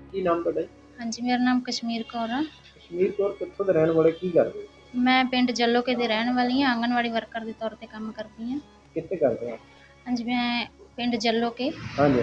ਕੀ ਨਾਮ ਤੁਹਾਡਾ ਜੀ? ਹਾਂਜੀ, ਮੇਰਾ ਨਾਮ ਕਸ਼ਮੀਰ ਕੌਰ ਆ। ਕਸ਼ਮੀਰ ਕੌਰ ਕਿੱਥੋਂ ਦੇ ਰਹਿਣ ਵਾਲੇ, ਕੀ ਕਰਦੇ ਹੋ? ਮੈਂ ਪਿੰਡ ਜੱਲੋਕੇ ਦੀ ਰਹਿਣ ਵਾਲੀ ਹਾਂ, ਆਂਗਣਵਾੜੀ ਵਰਕਰ ਦੇ ਤੌਰ 'ਤੇ ਕੰਮ ਕਰਦੀ ਹਾਂ। ਕਿੱਥੇ ਕਰਦੇ ਹੋ? ਹਾਂਜੀ, ਮੈਂ ਪਿੰਡ ਜੱਲੋਕੇ। ਹਾਂਜੀ।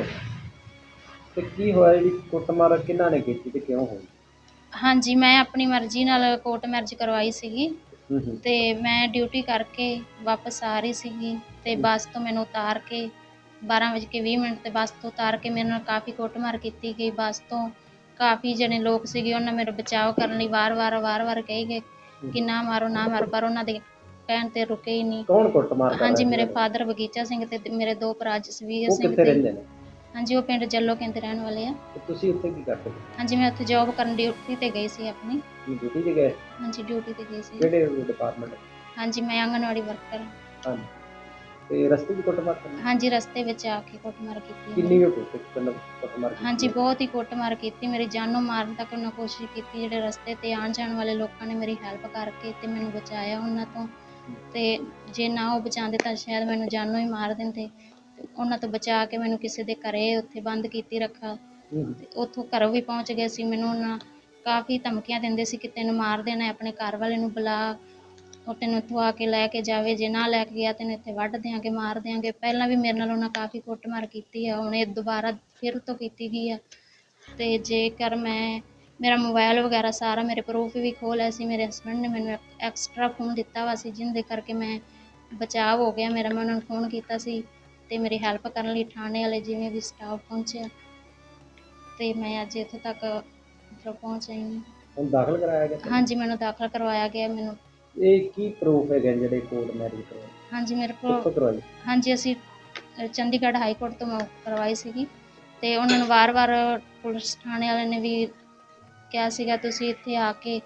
ਤੇ ਕੀ ਹੋਇਆ, ਜਿਹੜੀ ਕੁੱਟਮਾਰ ਕਿਹਨਾਂ ਨੇ ਕੀਤੀ ਤੇ ਕਿਉਂ ਹੋਈ? ਹਾਂਜੀ, ਮੈਂ ਆਪਣੀ ਮਰਜ਼ੀ ਨਾਲ ਕੋਰਟ ਮੈਰਿਜ ਕਰਵਾਈ ਸੀਗੀ ਹੂੰ। ਤੇ ਮੈਂ ਡਿਊਟੀ ਕਰਕੇ ਵਾਪਸ ਆ ਰਹੀ ਸੀਗੀ ਤੇ ਬੱਸ ਤੋਂ ਮੈਨੂੰ ਉਤਾਰ ਕੇ 12:20 ਤੇ ਬੱਸ ਤੋਂ ਉਤਾਰ ਕੇ ਮੇਰੇ ਨਾਲ ਕਾफ़ੀ ਕੁੱਟਮਾਰ ਕੀਤੀ ਗਈ। ਬੱਸ ਤੋਂ ਕਾफ़ੀ ਜਣੇ ਲੋਕ ਸੀਗੇ, ਉਹਨਾਂ ਮੇਰਾ ਬਚਾਅ ਕਰਨ ਲਈ ਵਾਰ-ਵਾਰ ਕਹੀ ਗਏ ਕਿ ਨਾ ਮਾਰੋ, ਨਾ ਮਾਰੋ, ਪਰ ਉਹਨਾਂ ਦੇ ਕਹਿਣ 'ਤੇ ਰੁਕੇ ਹੀ ਨਹੀਂ। ਕੌਣ ਕੁੱਟਮਾਰ ਕਰ ਰਿਹਾ ਹਾਂਜੀ, ਸੀ ਮੇਰੇ ਤੁਹਾਡੇ? ਫਾਦਰ ਬਗੀਚਾ ਸਿੰਘ ਤੇ ਮੇਰੇ 2 ਭਰਾ ਜਸਵੀਰ ਉਹ ਸਿੰਘ ਕਿੱਥੇ ਤੇ। ਰਹਿੰਦੇ ਨੇ? ਹਾਂਜੀ, ਉਹ ਪਿੰਡ ਜੱਲੋਕੇ ਦੇ ਰਹਿਣ ਵਾਲੇ ਆ। ਤੇ ਤੁਸੀਂ ਉੱਥੇ ਕੀ ਕਰਦੇ ਹੋ? ਹਾਂਜੀ, ਮੈਂ ਉੱਥੇ ਜੋਬ ਕਰਨ ਡਿਊਟੀ 'ਤੇ ਗਈ ਸੀ ਆਪਣੀ। ਕੀ ਡਿਊਟੀ ਤੇ ਗਏ? ਹਾਂਜੀ, ਡਿਊਟੀ 'ਤੇ ਗਈ ਸੀ। ਕਿਹੜੇ ਡਿਪਾਰਟਮੈਂਟ? ਹਾਂਜੀ, ਮੈਂ ਆਂਗਣਵਾੜੀ ਵਰਕਰ। ਹਾਂਜੀ। ਤੇ ਰਸਤੇ 'ਚ ਕੁੱਟਮਾਰ ਕਰਨੀ? ਹਾਂਜੀ, ਰਸਤੇ ਵਿੱਚ ਆ ਕੇ ਕੁੱਟਮਾਰ ਕੀਤੀ ਕਿੰਨੀ ਮੇਰੀ। ਕੁ ਕੁੱਟਮਾਰ ਕੀਤੀ ਹਾਂਜੀ, ਹੈ? ਬਹੁਤ ਹੀ ਕੁੱਟਮਾਰ ਕੀਤੀ, ਮੇਰੀ ਜਾਨੋਂ ਮਾਰਨ ਤੱਕ ਉਹਨਾਂ ਕੋਸ਼ਿਸ਼ ਕੀਤੀ। ਜਿਹੜੇ ਰਸਤੇ 'ਤੇ ਆਉਣ ਜਾਣ ਵਾਲੇ ਲੋਕਾਂ ਨੇ ਮੇਰੀ ਹੈਲਪ ਕਰਕੇ ਤੇ ਮੈਨੂੰ ਬਚਾਇਆ ਉਹਨਾਂ ਤੋਂ। ਤੇ ਜੇ ਨਾ ਉਹ ਬਚਾਉਂਦੇ ਤਾਂ ਸ਼ਾਇਦ ਮੈਨੂੰ ਜਾਨੋਂ ਹੀ ਮਾਰ ਦਿੰਦੇ। ਉਹਨਾਂ ਤੋਂ ਬਚਾ ਕੇ ਮੈਨੂੰ ਕਿਸੇ ਦੇ ਘਰੇ ਉੱਥੇ ਬੰਦ ਕੀਤੀ ਰੱਖਾ ਤੇ ਉੱਥੋਂ ਘਰੋਂ ਵੀ ਪਹੁੰਚ ਗਏ ਸੀ। ਮੈਨੂੰ ਉਹਨਾਂ ਕਾफ़ੀ ਧਮਕੀਆਂ ਦਿੰਦੇ ਸੀ ਕਿ ਤੈਨੂੰ ਮਾਰ ਦੇਣਾ, ਆਪਣੇ ਘਰ ਵਾਲੇ ਨੂੰ ਬੁਲਾ, ਉਹ ਤੈਨੂੰ ਇੱਥੋਂ ਆ ਕੇ ਲੈ ਕੇ ਜਾਵੇ, ਜੇ ਨਾ ਲੈ ਕੇ ਗਿਆ ਤੈਨੂੰ ਇੱਥੇ ਵੱਢ ਦਿਆਂਗੇ, ਮਾਰ ਦਿਆਂਗੇ। ਪਹਿਲਾਂ ਵੀ ਮੇਰੇ ਨਾਲ ਉਹਨਾਂ ਕਾफ़ੀ ਕੁੱਟਮਾਰ ਕੀਤੀ ਆ, ਹੁਣ ਇਹ ਦੁਬਾਰਾ ਫਿਰ ਤੋਂ ਕੀਤੀ ਗਈ ਆ। ਤੇ ਜੇਕਰ ਮੇਰਾ ਮੋਬਾਇਲ ਵਗੈਰਾ ਸਾਰਾ ਮੇਰੇ ਪ੍ਰੂਫ ਵੀ ਖੋਹ ਲਿਆ ਸੀ। ਮੇਰੇ ਹਸਬੈਂਡ ਨੇ ਮੈਨੂੰ ਐਕਸਟਰਾ ਫੋਨ ਦਿੱਤਾ ਵਾ ਸੀ, ਜਿਹਦੇ ਕਰਕੇ ਮੈਂ ਬਚਾਅ ਹੋ ਗਿਆ ਮੇਰਾ। ਮੈਂ ਉਹਨਾਂ ਨੂੰ ਫੋਨ ਕੀਤਾ ਸੀ ਤੇ ਮੇਰੀ ਹੈਲਪ ਕਰਨ ਲਈ ਥਾਣੇ ਵਾਲੇ ਜਿਵੇਂ ਵੀ ਸਟਾਫ ਪਹੁੰਚਿਆ ਤੇ ਮੈਂ ਅੱਜ ਇੱਥੋਂ ਤੱਕ ਮਤਲਬ ਪਹੁੰਚ ਆਈ ਹਾਂ। ਹੁਣ ਦਾਖਲ ਕਰਾਇਆ ਗਿਆ? ਹਾਂਜੀ, ਮੈਨੂੰ ਦਾਖਲ ਕਰਵਾਇਆ ਗਿਆ। ਮੈਨੂੰ ਇਹ ਕੀ ਪ੍ਰੂਫ ਹੈਗੇ ਜਿਹੜੇ ਕੋਰਟ ਮੈਰਿਜ ਕਰਵਾਏ? ਹਾਂਜੀ, ਮੇਰੇ ਕੋਲ ਕਿੱਥੋਂ ਕਰਵਾਈ? ਹਾਂਜੀ, ਅਸੀਂ ਚੰਡੀਗੜ੍ਹ ਹਾਈ ਕੋਰਟ ਤੋਂ ਕਰਵਾਈ ਸੀਗੀ ਤੇ ਉਹਨਾਂ ਨੂੰ ਵਾਰ-ਵਾਰ ਪੁਲਿਸ ਥਾਣੇ ਵਾਲਿਆਂ ਨੇ ਵੀ ਕਿਹਾ ਸੀਗਾ ਤੁਸੀਂ ਇੱਥੇ ਆ ਕੇ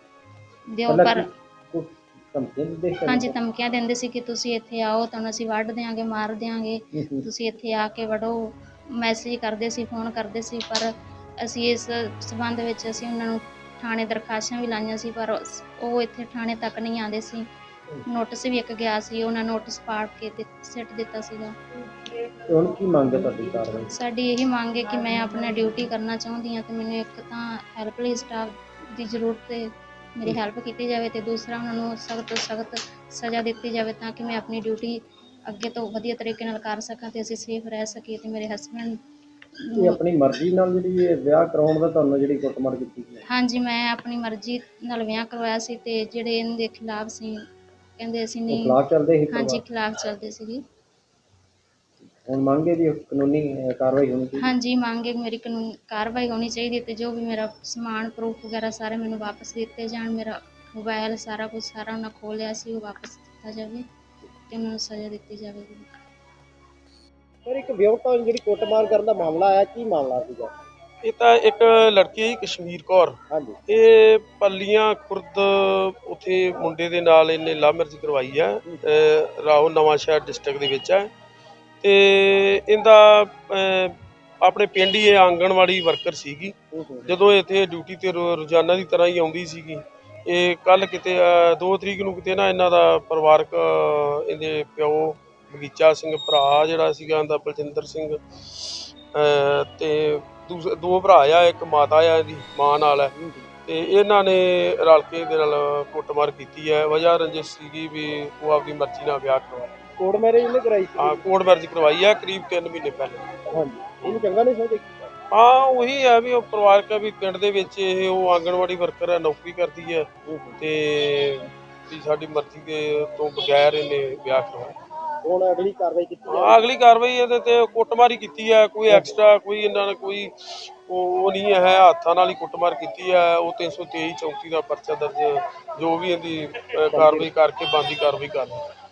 ਦਿਓ, ਪਹਿਲਾਂ ਪਰ ਕੁਛ ਧਮਕੀਆਂ ਦਿੰਦੇ ਸੀ? ਹਾਂਜੀ, ਧਮਕੀਆਂ ਦਿੰਦੇ ਸੀ ਕਿ ਤੁਸੀਂ ਇੱਥੇ ਆਓ, ਤੁਹਾਨੂੰ ਅਸੀਂ ਵੱਢ ਦਿਆਂਗੇ, ਮਾਰ ਦਿਆਂਗੇ, ਤੁਸੀਂ ਇੱਥੇ ਆ ਕੇ ਵੜੋ। ਮੈਸੇਜ ਕਰਦੇ ਸੀ, ਫੋਨ ਕਰਦੇ ਸੀ, ਪਰ ਅਸੀਂ ਇਸ ਸੰਬੰਧ ਵਿੱਚ ਅਸੀਂ ਉਹਨਾਂ ਨੂੰ ਥਾਣੇ ਦਰਖਾਸਤਾਂ ਵੀ ਲਾਈਆਂ ਸੀ, ਪਰ ਉਹ ਇੱਥੇ ਥਾਣੇ ਤੱਕ ਨਹੀਂ ਆਉਂਦੇ ਸੀ। ਨੋਟਿਸ ਵੀ ਇੱਕ ਗਿਆ ਸੀ, ਉਹਨਾਂ ਨੋਟਿਸ ਪਾੜ ਕੇ ਤੇ ਸਿੱਟ ਦਿੱਤਾ ਸੀਗਾ। ਤੇ ਹੁਣ ਕੀ ਮੰਗ ਹੈ ਤੁਹਾਡੀ ਕਾਰਵਾਈ? ਸਾਡੀ ਇਹੀ ਮੰਗ ਹੈ ਕਿ ਮੈਂ ਆਪਣਾ ਡਿਊਟੀ ਕਰਨਾ ਚਾਹੁੰਦੀ ਹਾਂ ਤੇ ਮੈਨੂੰ ਇੱਕ ਤਾਂ ਹੈਲਪਲਾਈਨ ਸਟਾਫ ਦੀ ਜ਼ਰੂਰਤ ਹੈ, ਮੇਰੀ ਹੈਲਪ ਕੀਤੀ ਜਾਵੇ ਤੇ ਦੂਸਰਾ ਉਹਨਾਂ ਨੂੰ ਸਖਤ ਤੋਂ ਸਖਤ ਸਜ਼ਾ ਦਿੱਤੀ ਜਾਵੇ ਤਾਂ ਕਿ ਮੈਂ ਆਪਣੀ ਡਿਊਟੀ ਅੱਗੇ ਤੋਂ ਵਧੀਆ ਤਰੀਕੇ ਨਾਲ ਕਰ ਸਕਾਂ ਤੇ ਅਸੀਂ ਸੇਫ ਰਹਿ ਸਕੀਏ ਤੇ ਮੇਰੇ ਹਸਬੈਂਡ ਇਹ ਆਪਣੀ ਮਰਜ਼ੀ ਨਾਲ ਜਿਹੜੀ ਇਹ ਵਿਆਹ ਕਰਾਉਣ ਦਾ ਤੁਹਾਨੂੰ ਜਿਹੜੀ ਕੁੱਟਮਾਰ ਕੀਤੀ ਗਈ? ਹਾਂਜੀ, ਮੈਂ ਆਪਣੀ ਮਰਜ਼ੀ ਨਾਲ ਵਿਆਹ ਕਰਵਾਇਆ ਸੀ ਤੇ ਜਿਹੜੇ ਇਹਦੇ ਖਿਲਾਫ ਸੀ ਕਹਿੰਦੇ ਅਸੀਂ ਉਹ ਨਹੀਂ। ਖਿਲਾਫ ਚੱਲਦੇ ਸੀ ਹਾਂਜੀ, ਪਰਿਵਾਰ? ਖਿਲਾਫ ਚੱਲਦੇ ਸੀਗੇ। ਹੁਣ ਮੰਗ ਹੈ ਜੀ ਕਾਨੂੰਨੀ ਕਾਰਵਾਈ ਹੋਣੀ ਚਾਹੀਦੀ? ਹਾਂਜੀ, ਮੰਗ ਹੈ ਮੇਰੀ ਕਾਨੂੰਨੀ ਕਾਰਵਾਈ ਹੋਣੀ ਚਾਹੀਦੀ ਤੇ ਜੋ ਵੀ ਮੇਰਾ ਸਮਾਨ ਪ੍ਰੂਫ ਵਗੈਰਾ ਸਾਰੇ ਮੈਨੂੰ ਵਾਪਸ ਦਿੱਤੇ ਜਾਣ। ਮੇਰਾ ਮੋਬਾਇਲ ਸਾਰਾ ਕੁਝ ਸਾਰਾ ਉਹਨਾਂ ਖੋਹ ਲਿਆ ਸੀ, ਉਹ ਵਾਪਸ ਦਿੱਤਾ ਜਾਵੇ ਤੇ ਉਹਨਾਂ ਨੂੰ ਸਜ਼ਾ ਦਿੱਤੀ ਜਾਵੇਗੀ। ਸਰ, ਇੱਕ ਵਿਆਹੁਤਾ ਜਿਹੜੀ ਕੁੱਟਮਾਰ ਕਰਨ ਦਾ ਮਾਮਲਾ ਆਇਆ, ਕੀ ਮਾਮਲਾ ਸੀਗਾ? ਇਹ ਤਾਂ ਇੱਕ ਲੜਕੀ ਹੈ ਕਸ਼ਮੀਰ ਕੌਰ। ਹਾਂਜੀ। ਇਹ ਪੱਲੀਆਂ ਖੁਰਦ ਉੱਥੇ ਮੁੰਡੇ ਦੇ ਨਾਲ ਇਹਨੇ ਲਵ ਮੈਰਿਜ ਕਰਵਾਈ ਹੈ, ਰਾਓ ਨਵਾਂ ਸ਼ਹਿਰ ਡਿਸਟ੍ਰਿਕਟ ਦੇ ਵਿੱਚ ਹੈ। ਤੇ ਇਹਦਾ ਆਪਣੇ ਪਿੰਡ ਹੀ ਇਹ ਆਂਗਣਵਾੜੀ ਵਰਕਰ ਸੀਗੀ। ਜਦੋਂ ਇੱਥੇ ਡਿਊਟੀ ਤੇ ਰੋਜ਼ਾਨਾ ਦੀ ਤਰ੍ਹਾਂ ਹੀ ਆਉਂਦੀ ਸੀਗੀ। ਇਹ ਕੱਲ੍ਹ ਕਿਤੇ 2 ਤਰੀਕ ਨੂੰ ਕਿਤੇ ਨਾ ਇਹਨਾਂ ਦਾ ਪਰਿਵਾਰਕ ਇਹਦੇ ਪਿਓ ਬਗੀਚਾ ਸਿੰਘ, ਭਰਾ ਜਿਹੜਾ ਸੀਗਾ ਇਹਦਾ ਬਲਜਿੰਦਰ ਸਿੰਘ, ਤੇ 2 ਭਰਾ ਆ, ਇੱਕ ਮਾਤਾ ਆ ਇਹਦੀ ਮਾਂ ਨਾਲ ਹੈ। ਤੇ ਇਹਨਾਂ ਨੇ ਰਲ ਕੇ ਇਹਦੇ ਨਾਲ ਕੁੱਟਮਾਰ ਕੀਤੀ ਹੈ। ਵਜ੍ਹਾ ਰੰਜਿਸ਼ ਸੀਗੀ ਵੀ ਉਹ ਆਪਦੀ ਮਰਜ਼ੀ ਨਾਲ ਵਿਆਹ ਕਰਵਾਇਆ। ਕੋਰਟ ਮੈਰਿਜ ਇਹਨੇ ਕਰਾਈ ਸੀ? ਹਾਂ, ਕੋਰਟ ਮੈਰਿਜ ਕਰਵਾਈ ਹੈ ਕਰੀਬ 3 ਮਹੀਨੇ ਪਹਿਲੇ। ਹਾਂਜੀ। ਇਹਨੂੰ ਚੰਗਾ ਨਹੀਂ ਸਮਝਦੇ? ਹਾਂ, ਉਹੀ ਹੈ ਵੀ ਉਹ ਪਰਿਵਾਰਕ ਹੈ ਵੀ ਪਿੰਡ ਦੇ ਵਿੱਚ ਇਹ ਉਹ ਆਂਗਣਵਾੜੀ ਵਰਕਰ ਹੈ, ਨੌਕਰੀ ਕਰਦੀ ਹੈ ਤੇ ਵੀ ਸਾਡੀ ਮਰਜ਼ੀ ਦੇ ਤੋਂ ਬਗੈਰ ਇਹਨੇ ਵਿਆਹ ਕਰਵਾਇਆ। ਹੁਣ ਅਗਲੀ ਕਾਰਵਾਈ ਕੀਤੀ ਜਾਵੇ? ਹਾਂ, ਅਗਲੀ ਕਾਰਵਾਈ ਇਹਦੇ ਤੇ ਕੁੱਟਮਾਰ ਕੀਤੀ ਹੈ। ਕੋਈ ਐਕਸਟਰਾ ਕੋਈ ਇਹਨਾਂ ਨੇ ਕੋਈ ਉਹ ਨਹੀਂ ਹੈ, ਹੱਥਾਂ ਨਾਲ ਹੀ ਕੁੱਟਮਾਰ ਕੀਤੀ ਹੈ। ਉਹ 323 34 ਦਾ ਪਰਚਾ ਦਰਜ, ਜੋ ਵੀ ਇਹਦੀ ਕਾਰਵਾਈ ਕਰਕੇ ਬਣਦੀ ਕਾਰਵਾਈ ਕਰ